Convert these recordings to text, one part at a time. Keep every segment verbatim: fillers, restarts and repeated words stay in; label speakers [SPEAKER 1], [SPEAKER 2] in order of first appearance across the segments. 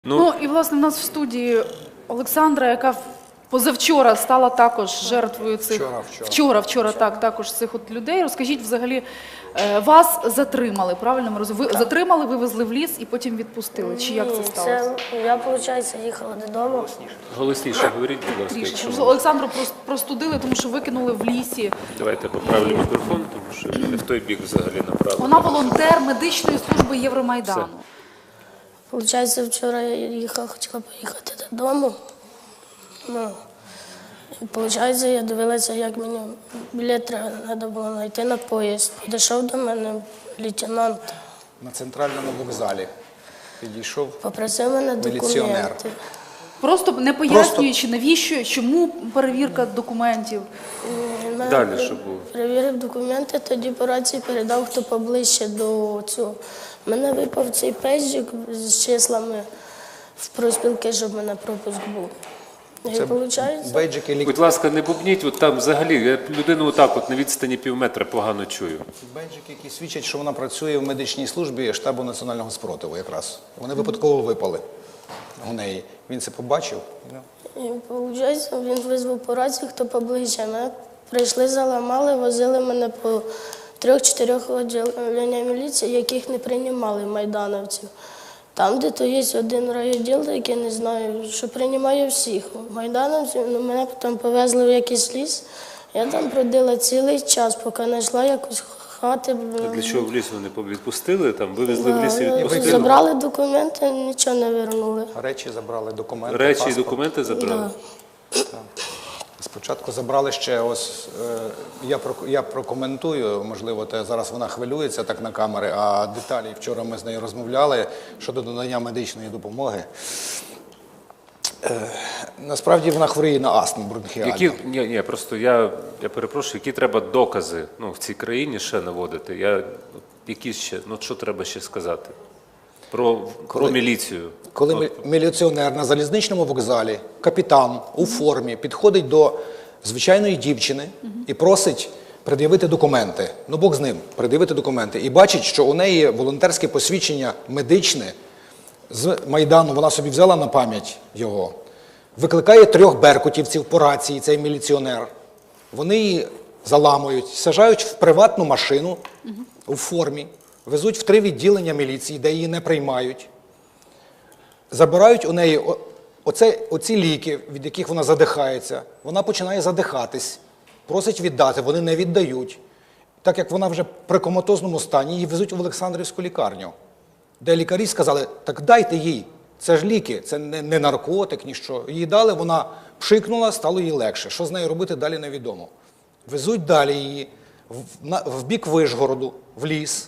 [SPEAKER 1] Ну,
[SPEAKER 2] Ну і, власне, в нас в студії Олександра, яка позавчора стала також жертвою цих...
[SPEAKER 3] Вчора, вчора.
[SPEAKER 2] Вчора, вчора, так, також цих от людей. Розкажіть, взагалі, е, вас затримали, правильно ми розуміємо? Ви затримали, вивезли в ліс і потім відпустили. Чи як це
[SPEAKER 4] Ні,
[SPEAKER 2] сталося?
[SPEAKER 4] Це, я, виходить, їхала додому.
[SPEAKER 1] голосніше говоріть, будь ласка,
[SPEAKER 2] Трішки.
[SPEAKER 1] якщо
[SPEAKER 2] Олександру прос- простудили, тому що викинули в лісі.
[SPEAKER 1] давайте поправлю мікрофон, тому що не в той бік взагалі направлено.
[SPEAKER 2] Вона волонтер медичної служби Євромайдану.
[SPEAKER 4] Получається, вчора я їхала, хотіла поїхати додому. Ну, і, виходить, я дивилася, як мені білет треба було знайти на поїзд. Підійшов до мене лейтенант,
[SPEAKER 3] На центральному вокзалі підійшов
[SPEAKER 4] попросив мене
[SPEAKER 3] міліціонер.
[SPEAKER 4] документи.
[SPEAKER 2] Просто не пояснюючи, навіщо, чому перевірка документів.
[SPEAKER 4] Він мене
[SPEAKER 1] Далі,
[SPEAKER 4] при-
[SPEAKER 1] що було?
[SPEAKER 4] Перевірив документи, тоді по рації передав, хто поближче до цього. Мене випав цей пейджик з числами в профспілки, щоб в мене пропуск був. І
[SPEAKER 3] Це
[SPEAKER 4] виходить,
[SPEAKER 3] бейджики, лік...
[SPEAKER 1] Будь ласка, не бубніть, от там взагалі, я людину отак от на відстані пів метра погано чую.
[SPEAKER 3] бейджики, які свідчать, що вона працює в медичній службі штабу національного спротиву якраз. Вони випадково випали у неї. Він це побачив.
[SPEAKER 4] і виходить, він визвав по рації, хто поближче. Мене прийшли, заламали, возили мене по трьох-чотирьох відділеннях міліції, яких не приймали майдановців. Там, де то є один райвідділ, який не знаю, що приймає всіх майдановців, ну, мене потім повезли в якийсь ліс. Я там продила цілий час, поки знайшла якусь хати.
[SPEAKER 1] Для чого в ліс вони відпустили, там вивезли в ліс і
[SPEAKER 4] Да,
[SPEAKER 1] відпустили?
[SPEAKER 4] забрали документи, нічого не вернули.
[SPEAKER 3] Речі забрали, документи,
[SPEAKER 1] Речі і
[SPEAKER 3] паспорт.
[SPEAKER 1] документи забрали?
[SPEAKER 4] Да.
[SPEAKER 3] Спочатку забрали ще ось, е, я, про, я прокоментую, можливо, те, зараз вона хвилюється так на камери, а деталі вчора ми з нею розмовляли щодо надання медичної допомоги. Е, насправді вона хворіє на астму бронхіальну.
[SPEAKER 1] Які, ні, ні, просто я, я перепрошую, які треба докази ну, в цій країні ще наводити? Я, які ще, ну що треба ще сказати? Про, про міліцію.
[SPEAKER 3] Коли
[SPEAKER 1] От,
[SPEAKER 3] мі- міліціонер на залізничному вокзалі, капітан у формі, підходить до звичайної дівчини і просить пред'явити документи. Ну, Бог з ним, пред'явити документи. І бачить, що у неї волонтерське посвідчення медичне з Майдану, вона собі взяла на пам'ять його, викликає трьох беркутівців по рації, цей міліціонер. Вони її заламують, саджають в приватну машину у формі, везуть в три відділення міліції, де її не приймають. Забирають у неї о- оце, оці ліки, від яких вона задихається. Вона починає задихатись, просить віддати, вони не віддають. Так як вона вже при коматозному стані, її везуть в Олександрівську лікарню, де лікарі сказали, так дайте їй, це ж ліки, це не, не наркотик, ніщо. Їй дали, вона пшикнула, стало їй легше. Що з нею робити, далі невідомо. Везуть далі її в, на, в бік Вишгороду, в ліс,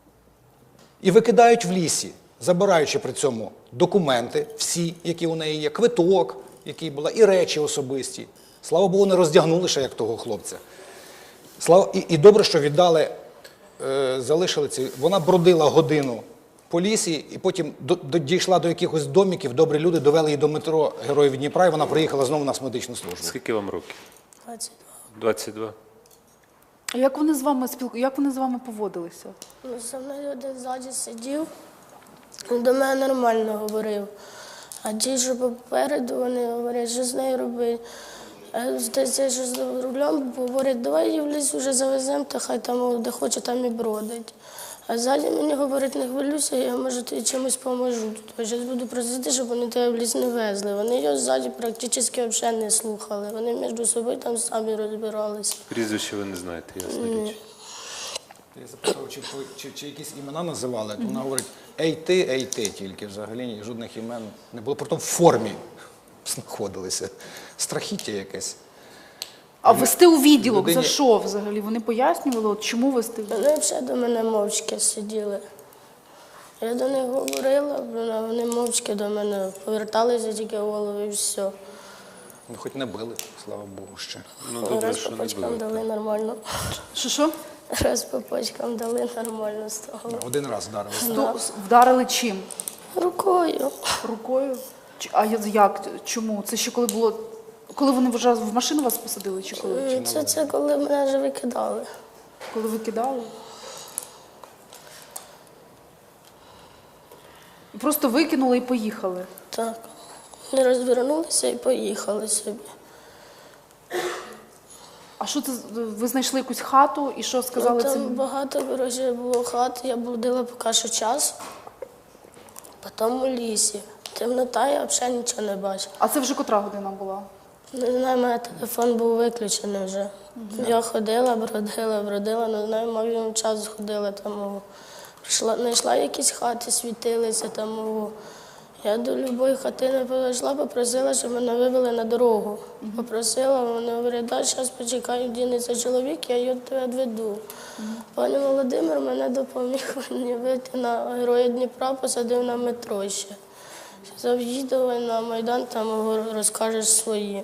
[SPEAKER 3] і викидають в лісі, забираючи при цьому документи, всі, які у неї є, квиток, який була, і речі особисті. Слава Богу, не роздягнули ще, як того хлопця. Слава... І, і добре, що віддали, е, залишили ці. Вона бродила годину по лісі, і потім до, до, дійшла до якихось домиків, добрі люди довели її до метро Героїв Дніпра, і вона приїхала знову на медичну службу.
[SPEAKER 1] скільки вам років?
[SPEAKER 4] двадцять два.
[SPEAKER 1] двадцять два?
[SPEAKER 2] А як вони з вами спілку... як вони з вами поводилися?
[SPEAKER 4] Ну, зі мною один ззаді сидів, він до мене нормально говорив. А ті, що попереду, вони говорять, що з нею робити. А здається, що з рулем говорять, давай її в ліс вже завеземо, та хай там де хоче, там і бродить. А ззаді мені говорить, не хвилюйся, я може тобі чимось поможу. Я зараз буду просити, щоб вони тебе в ліс не везли. Вони його ззаді практично взагалі не слухали. Вони між собою там самі розбиралися.
[SPEAKER 1] Прізвище ви не знаєте, ясна річ.
[SPEAKER 3] Я запитав, чи, чи, чи якісь імена називали, то вона говорить, ей ти, ей ти тільки, взагалі ні, жодних імен не було, проте в формі знаходилися. Страхіття якесь.
[SPEAKER 2] А вести у відділок
[SPEAKER 3] людині-
[SPEAKER 2] за що взагалі? Вони пояснювали, от чому вести?
[SPEAKER 4] Вони взагалі до мене мовчки сиділи. Я до них говорила, а вони мовчки до мене поверталися тільки голову і все.
[SPEAKER 3] Ну, хоч не били, слава Богу, ще.
[SPEAKER 1] Ну, добре,
[SPEAKER 4] Раз
[SPEAKER 1] що
[SPEAKER 4] по
[SPEAKER 1] не
[SPEAKER 4] почкам
[SPEAKER 1] було.
[SPEAKER 4] дали нормально.
[SPEAKER 2] Що що?
[SPEAKER 4] Раз по почкам дали нормально стало.
[SPEAKER 3] Один раз вдарили.
[SPEAKER 2] Сто- Вдарили чим?
[SPEAKER 4] Рукою.
[SPEAKER 2] Рукою? Чи- А я- як? Чому? Це ще коли було. Коли вони вже в машину вас посадили, чи коли?
[SPEAKER 4] Це, це коли мене вже викидали.
[SPEAKER 2] Коли ви кидали? Просто викинули і поїхали.
[SPEAKER 4] Так. Вони розвернулися і поїхали собі.
[SPEAKER 2] А що це? з- Ви знайшли якусь хату і що сказали
[SPEAKER 4] Ну, там
[SPEAKER 2] цим?
[SPEAKER 4] багато, коротше, було хат, я блудила поки що час, потім у лісі. Темнота, я взагалі нічого не бачила.
[SPEAKER 2] А це вже котра година була?
[SPEAKER 4] Не знаю, у мене телефон був виключений вже. Я ходила, бродила, бродила, не знаю, максимум час ходила там. о, Прийшла, знайшла якісь хати, світилися там. о. Я до будь-якої хатини підійшла, попросила, щоб мене вивели на дорогу. Попросила, вони говорять, да, зараз почекаю, дінеться чоловік, я його тебе відведу. Пані Володимир мене допоміг мені вийти на Героя Дніпра, посадив на метро ще. Сказав, їдь давай на Майдан, там розкажеш свої.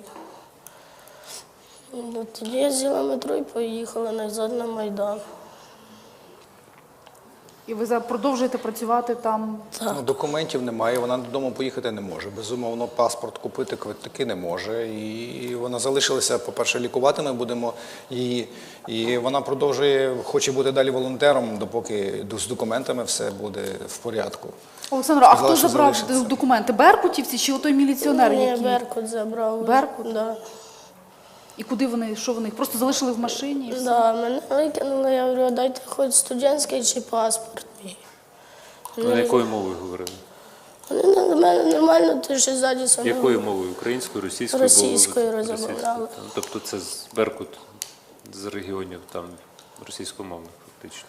[SPEAKER 4] Ну, тоді я взяла метро і поїхала назад на Майдан.
[SPEAKER 2] І ви за- продовжуєте працювати там?
[SPEAKER 3] Ну, документів немає, вона додому поїхати не може. Безумовно, паспорт купити, квитки не може. І вона залишилася, по-перше, лікувати ми будемо її. І вона продовжує, хоче бути далі волонтером, допоки з документами все буде в порядку.
[SPEAKER 2] Олександр, а
[SPEAKER 3] Сказала,
[SPEAKER 2] хто
[SPEAKER 3] що
[SPEAKER 2] забрав
[SPEAKER 3] залишиться.
[SPEAKER 2] документи? Беркутівці чи отой міліціонер,
[SPEAKER 4] Ні,
[SPEAKER 2] який?
[SPEAKER 4] Беркут забрав.
[SPEAKER 2] Беркут?
[SPEAKER 4] Да.
[SPEAKER 2] І куди вони, що вони? Їх просто залишили в машині? І все?
[SPEAKER 4] Да, мене викинули, я говорю, дайте хоч студентський чи паспорт мій.
[SPEAKER 1] Ну, якою мовою говорили?
[SPEAKER 4] Вони на мене нормально, ти що ззаді саме.
[SPEAKER 1] Якою мовою? Українською, російською?
[SPEAKER 4] Російською
[SPEAKER 1] Бо-
[SPEAKER 4] розмовляли.
[SPEAKER 1] російською, так. Тобто це з Беркут з регіонів там російськомовних фактично.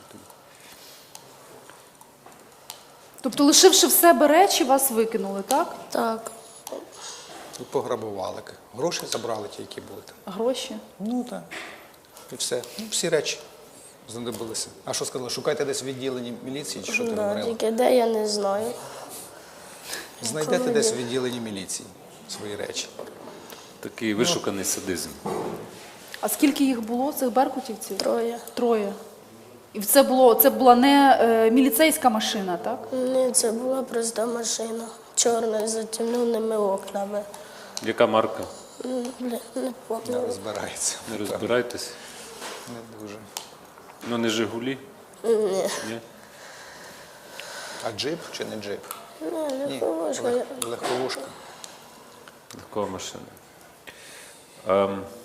[SPEAKER 2] Тобто, лишивши в себе речі, вас викинули, так?
[SPEAKER 4] Так.
[SPEAKER 3] І пограбували. Гроші забрали ті, які були там.
[SPEAKER 2] Гроші.
[SPEAKER 3] Ну так. І все. Ну, всі речі знадобилися. А що сказали? Шукайте десь в відділенні міліції, чи що ти
[SPEAKER 4] Да,
[SPEAKER 3] говорила?
[SPEAKER 4] тільки де, я не знаю.
[SPEAKER 3] Знайдете десь в відділенні міліції свої речі.
[SPEAKER 1] Такий вишуканий садизм.
[SPEAKER 2] А скільки їх було, цих беркутівців?
[SPEAKER 4] Троє.
[SPEAKER 2] Троє. І це було, це була не е, міліцейська машина, так?
[SPEAKER 4] Ні, це була проста машина. Чорна, з затемненими окнами.
[SPEAKER 1] Яка марка?
[SPEAKER 4] М, Блін, не
[SPEAKER 3] Не
[SPEAKER 4] пам'ятаю.
[SPEAKER 3] розбирається.
[SPEAKER 1] Не розбирайтесь.
[SPEAKER 3] Не дуже.
[SPEAKER 1] Ну не Жигулі?
[SPEAKER 4] Ні.
[SPEAKER 1] Ні?
[SPEAKER 3] А джип чи не джип?
[SPEAKER 4] Ні,
[SPEAKER 3] Ні,
[SPEAKER 4] легковушка.
[SPEAKER 3] лег- легковушка.
[SPEAKER 1] Легкова машина. Ем,